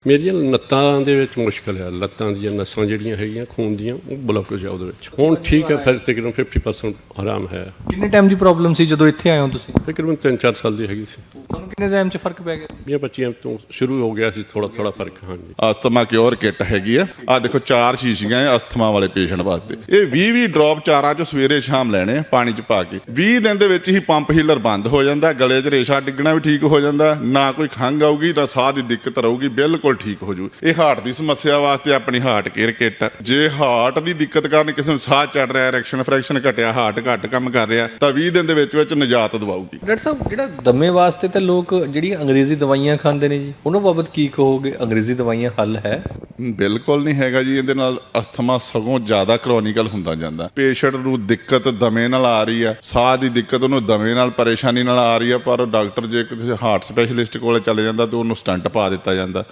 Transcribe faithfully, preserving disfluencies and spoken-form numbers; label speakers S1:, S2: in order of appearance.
S1: ਮੇਰੀਆਂ ਲੱਤਾਂ ਦੇ ਵਿੱਚ ਮੁਸ਼ਕਲ ਹੈ। ਲੱਤਾਂ ਦੀਆਂ ਨਸਾਂ ਜਿਹੜੀਆਂ ਹੈਗੀਆਂ ਖੂਨ ਦੀਆਂ ਉਹ ਬਲੌਕੇਜ ਆ ਉਹਦੇ ਵਿੱਚ। ਹੁਣ ਠੀਕ ਹੈ, ਫਿਰ ਤਕਰੀਬਨ ਫਿਫਟੀ ਪਰਸੈਂਟ ਆਰਾਮ ਹੈ।
S2: ਕਿੰਨੇ ਟਾਈਮ ਦੀ ਪ੍ਰੋਬਲਮ ਸੀ ਜਦੋਂ ਇੱਥੇ ਆਏ ਹੋ ਤੁਸੀਂ?
S1: ਤਕਰੀਬਨ ਤਿੰਨ ਚਾਰ ਸਾਲ ਦੀ ਹੈਗੀ ਸੀ।
S2: ਤੁਹਾਨੂੰ ਕਿੰਨੇ ਟਾਈਮ 'ਚ ਫਰਕ ਪੈ ਗਿਆ?
S1: ਵੀਹ ਪੱਚੀਆਂ ਤੋਂ ਸ਼ੁਰੂ ਹੋ ਗਿਆ ਸੀ ਥੋੜਾ ਥੋੜਾ ਫਰਕ। ਹਾਂਜੀ,
S3: ਅਸਥਮਾ ਕਿਉਰ ਕਿੱਟ ਹੈਗੀ ਆ। ਆ ਦੇਖੋ ਚਾਰ ਸ਼ੀਸ਼ੀਆਂ ਹੈ ਅਸਥਮਾ ਵਾਲੇ ਪੇਸ਼ੈਂਟ ਵਾਸਤੇ। ਇਹ ਵੀਹ ਵੀਹ ਡ੍ਰੌਪ ਚਾਰਾਂ ਚੋਂ ਸਵੇਰੇ ਸ਼ਾਮ ਲੈਣੇ ਆ ਪਾਣੀ 'ਚ ਪਾ ਕੇ। ਵੀਹ ਦਿਨ ਦੇ ਵਿੱਚ ਹੀ ਪੰਪ ਹੀਲਰ ਬੰਦ ਹੋ ਜਾਂਦਾ, ਗਲੇ 'ਚ ਰੇਸ਼ਾ ਡਿੱਗਣਾ ਵੀ ਠੀਕ ਹੋ ਜਾਂਦਾ, ਨਾ ਕੋਈ ਖੰਘ ਆਊਗੀ ਨਾ ਸਾਹ ਦੀ ਦਿੱਕਤ ਰਹੂਗੀ, ਬਿਲਕੁਲ ਠੀਕ ਹੋ ਜੂ। ਇਹ ਹਾਰਟ ਦੀ ਸਮੱਸਿਆ ਵਾਸਤੇ ਆਪਣੀ ਹਾਰਟ ਕੇਅਰ ਕਿੱਟ। ਜੇ ਹਾਰਟ ਦੀ ਦਿੱਕਤ ਕਾਰਨ ਕਿਸੇ ਨੂੰ ਸਾਹ ਚੜ ਰਿਹਾ, ਐਰੈਕਸ਼ਨ ਫ੍ਰੈਕਸ਼ਨ ਘਟਿਆ, ਹਾਰਟ ਘੱਟ ਕੰਮ ਕਰ ਰਿਹਾ, ਤਾਂ ਵੀਹ ਦਿਨ ਦੇ ਵਿੱਚ ਵਿੱਚ ਨਿਜਾਤ ਦਵਾਊਗੀ।
S2: ਡਾਕਟਰ ਸਾਹਿਬ, ਜਿਹੜਾ ਦਮੇ ਵਾਸਤੇ ਤਾਂ ਲੋਕ ਜਿਹੜੀਆਂ ਅੰਗਰੇਜ਼ੀ ਦਵਾਈਆਂ ਖਾਂਦੇ ਨੇ ਜੀ, ਉਹਨਾਂ ਬਾਬਤ ਕੀ ਕਹੋਗੇ? ਅੰਗਰੇਜ਼ੀ ਦਵਾਈਆਂ ਹੱਲ ਹੈ?
S3: ਬਿਲਕੁਲ ਨਹੀਂ ਹੈਗਾ ਜੀ। ਇਹਦੇ ਨਾਲ ਅਸਥਮਾ ਸਗੋਂ ਜ਼ਿਆਦਾ ਕਰੋਨਿਕਲ ਹੁੰਦਾ ਜਾਂਦਾ। ਪੇਸ਼ੈਂਟ ਨੂੰ ਦਿੱਕਤ ਦਮੇ ਨਾਲ ਆ ਰਹੀ ਆ, ਸਾਹ ਦੀ ਦਿੱਕਤ ਉਹਨੂੰ ਦਮੇ ਨਾਲ ਪਰੇਸ਼ਾਨੀ ਨਾਲ ਆ ਰਹੀ ਆ, ਪਰ ਡਾਕਟਰ ਜੇ ਕਿਸੇ ਹਾਰਟ ਸਪੈਸ਼ਲਿਸਟ ਕੋਲ ਚਲੇ ਜਾਂਦਾ ਤਾਂ ਉਹਨੂੰ ਸਟੰਟ ਪਾ ਦਿੱਤਾ ਜਾਂਦਾ।